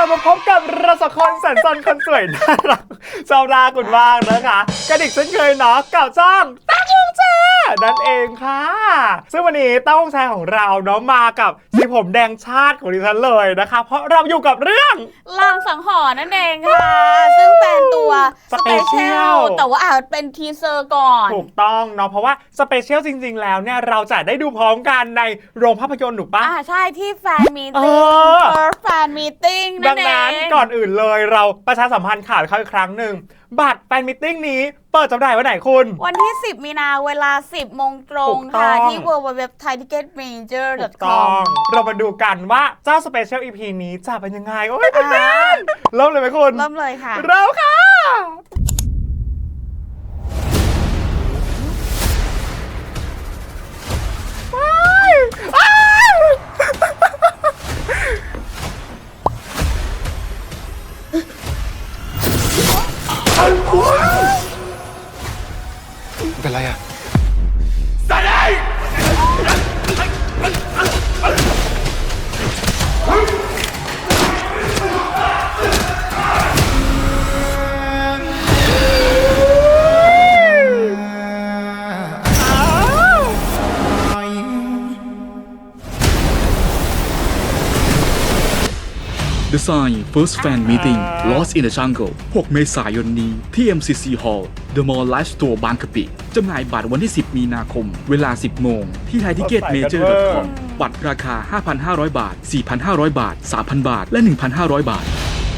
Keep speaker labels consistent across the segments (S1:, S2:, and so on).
S1: มาพบกับเราสองคนแสนซนคนสวยน่ารักชาวราคุณว่างนะคะกระดิกเช่นเคยเนาะกับช่องตั้งวงแชร์นั่นเองค่ะซึ่งวันนี้ตั้งวงแชร์ของเราเนาะมากับสีผมแดงชาติของดิฉันเลยนะคะเพราะเราอยู่กับเรื่อง
S2: ลางสังหรณ์นั่นเองค่ะซึ่งเป็นตัวสเปเชียลแต่ว่าเป็นทีเซอร์ก่อน
S1: ถูกต้องเนาะเพราะว่าสเปเชียลจริงๆแล้วเนี่ยเราจะได้ดูพร้อมกันในโรงภาพยนตร์ถูกปะ
S2: ใช่ที่แฟนมีตติ้งแฟนมีตติ้ง
S1: ดังนั้นก่อนอื่นเลยเราประชาสัมพันธ์ข่าวเขาอีกครั้งหนึ่งบัตรแฟนมีตติ้งนี้เปิดจำหน่ายวันไหนคุณ
S2: วันที่10มีนาเวลา 10 โมงตรงค่ะที่ www.thaiticketmajor.com
S1: เรามาดูกันว่าเจ้าสเปเชียล EP นี้จะเป็นยังไงโอ้ยตื่นเต้นเริ่มเลยไหมคุณ
S2: เริ่มเลยค่ะ
S1: เราค่ะ
S3: เป็นไรอะ
S4: The Sign First Fan Meeting Lost in the Jungle 6 เมษายนนี้ที่ MCC Hall The Mall Live Store บางกะปิจำหน่ายบัตรวันที่ 10 มีนาคม เวลา 10 โมงที่ thaiticketmajor.com บัตรราคา 5,500 บาท 4,500 บาท 3,000 บาท และ 1,500 บาท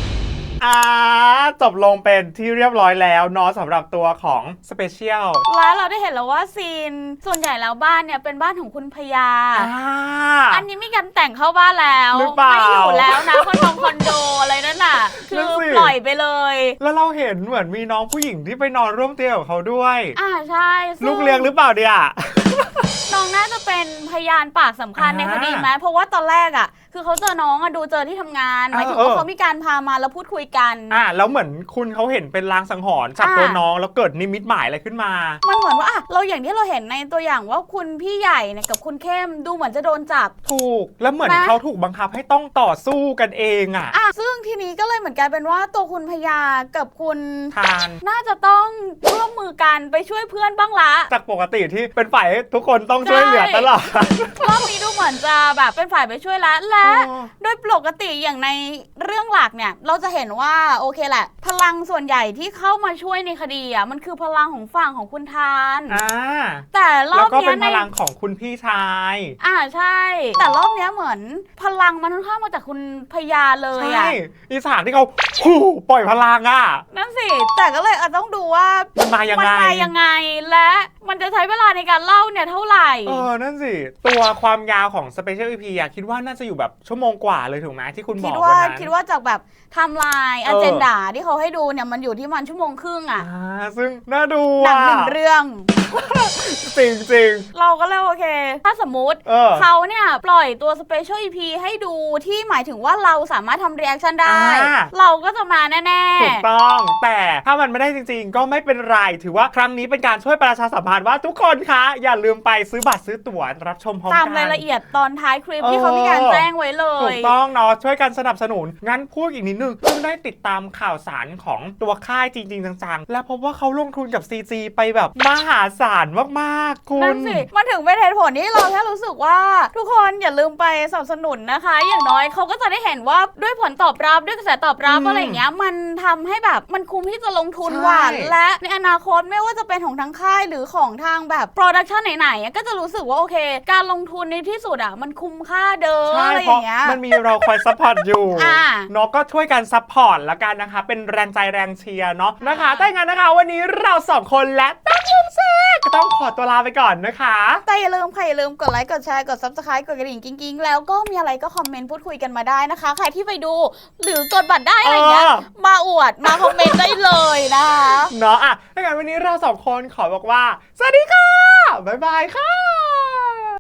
S1: จบลงเป็นที่เรียบร้อยแล้วเนาะสำหรับตัวของสเปเชียล
S2: แล้วเราได้เห็นแล้วว่าซีนส่วนใหญ่แล้วบ้านเนี่ยเป็นบ้านของคุณพญาอันนี้มีการแต่งเข้าบ้านแล้วไม่อยู่แล้วนะคอนโดอะไรนั่นน่ะคือปล่อยไปเลย
S1: แล้วเราเห็นเหมือนมีน้องผู้หญิงที่ไปนอนร่วมเตียงกับเขาด้วย
S2: ใช่
S1: ลูกเลี้ยงหรือเปล่าเนี่ย
S2: น้องน่าจะเป็นพยานปากสำคัญในคดีไหมเพราะว่าตอนแรกคือเขาเจอน้องดูเจอที่ทำงานหมายถึงว่าเขามีการพามาแล้วพูดคุยกัน
S1: แล้วเหมือนคุณเขาเห็นเป็นลางสังหรณ์จับตัวน้องแล้วเกิดนิมิตหมายอะไรขึ้นมา
S2: มันเหมือนว่าเราอย่างที่เราเห็นในตัวอย่างว่าคุณพี่ใหญ่เนี่ยกับคุณเข้มดูเหมือนจะโดนจับ
S1: ถูกแล้วเหมือนเขาถูกบังคับให้ต้องต่อสู้กันเอง
S2: ซึ่งทีนี้ก็เลยเหมือนกันเป็นว่าตัวคุณพญากับคุณ
S1: ทาน
S2: น่าจะต้องร่วมมือกันไปช่วยเพื่อนบ้างละ
S1: จากปกติที่เป็นฝ่ายทุกคนต้องช่วยเหลือตลอด
S2: รอบนี้ดูเหมือนจะแบบเป็นฝ่ายไปช่วยแล้วและโดยปกติอย่างในเรื่องหลักเนี่ยเราจะเห็นว่าโอเคแหละพลังส่วนใหญ่ที่เข้ามาช่วยในคดีมันคือพลังของฝั่งของคุณทานแต่รอบนี้
S1: เป็นพลังของคุณพี่ชาย
S2: ใช่แต่รอบนี้เหมือนพลังมันค่อนข้างมาจากคุณพญาเลย
S1: ใช่อีสานที่เขาปล่อยพลัง
S2: นั่นสิแต่ก็เลยต้องดูว่า
S1: มันมายังไง
S2: และมันจะใช้เวลาในการเล่าเนี่ยเท่าไหร่
S1: นั่นสิตัวความยาวของ Special EP คิดว่าน่าจะอยู่แบบชั่วโมงกว่าเลยถูกไหมที่คุณบอกวันนั้น
S2: คิดว่าจากแบบไทม์ไลน์อเจนดาที่เขาให้ดูเนี่ยมันอยู่ที่มันชั่วโมงครึ่ง
S1: ซึ่งน่าดู
S2: หนังหนึ่งเรื่อง
S1: จริง
S2: เราก็เลยโอเคถ้าสมมุติเขาเนี่ยปล่อยตัว Special EP ให้ดูที่หมายถึงว่าเราสามารถทำรีแอคชั่นได้เราก็จะมาแน่
S1: ๆถูกต้องแต่ถ้ามันไม่ได้จริงๆก็ไม่เป็นไรถือว่าครั้งนี้เป็นการช่วยประชาสัมพันธ์ว่าทุกคนคะอย่าลืมไปซื้อบัตรซื้อตั๋วรับชมพร้อมกัน
S2: ตามรายละเอียดตอนท้ายคลิปที่เขามีการแจ้งไว้เลย
S1: ถูกต้องเนาะช่วยกันสนับสนุนงั้นพูดอีกนิดนึงเพิ่งได้ติดตามข่าวสารของตัวค่ายจริงๆจังๆและพบว่าเขาลงทุนกับ CG ไปแบบมหาศาลมากๆคุณ
S2: นั่นสิมันถึงเป็นเหตุผลที่เราแค่รู้สึกว่าทุกคนอย่าลืมไปสนับสนุนนะคะอย่างน้อยเขาก็จะได้เห็นว่าด้วยผลตอบรับด้วยกระแสตอบรับอะไรอย่างเงี้ยมันทำให้แบบมันคุ้มที่จะลงทุนว่าและในอนาคตไม่ว่าจะเป็นของทางค่ายหรือของทางแบบโปรดักชันไหนๆก็จะรู้สึกว่าโอเคการลงทุนในที่สุดมันคุ้มค่าเด้ออะไรอย่างเงี้ย
S1: มันมีเราคอยซัพพอร์ตอยู่เนาะก็ช่วยกันซัพพอร์ตละกันนะคะเป็นแรงใจแรงเชียร์เนาะนะคะแต่งั้นนะคะวันนี้เรา2คนและตั้งวงแชร์ก็ต้องขอตัวลาไปก่อนนะคะ
S2: แต่อย่าลืมกดไลค์กดแชร์กด Subscribe กดกระดิ่งกิ๊งๆแล้วก็มีอะไรก็คอมเมนต์พูดคุยกันมาได้นะคะใครที่ไปดูหรือกดบัตรได้อะไรเงี้ยมาอวดมาคอมเมนต์ได้เลยนะคะ
S1: เนาะถ้างั้นวันนี้เรา2คนขอบอกว่าสวัสดีค่ะบ๊ายบายค่ะ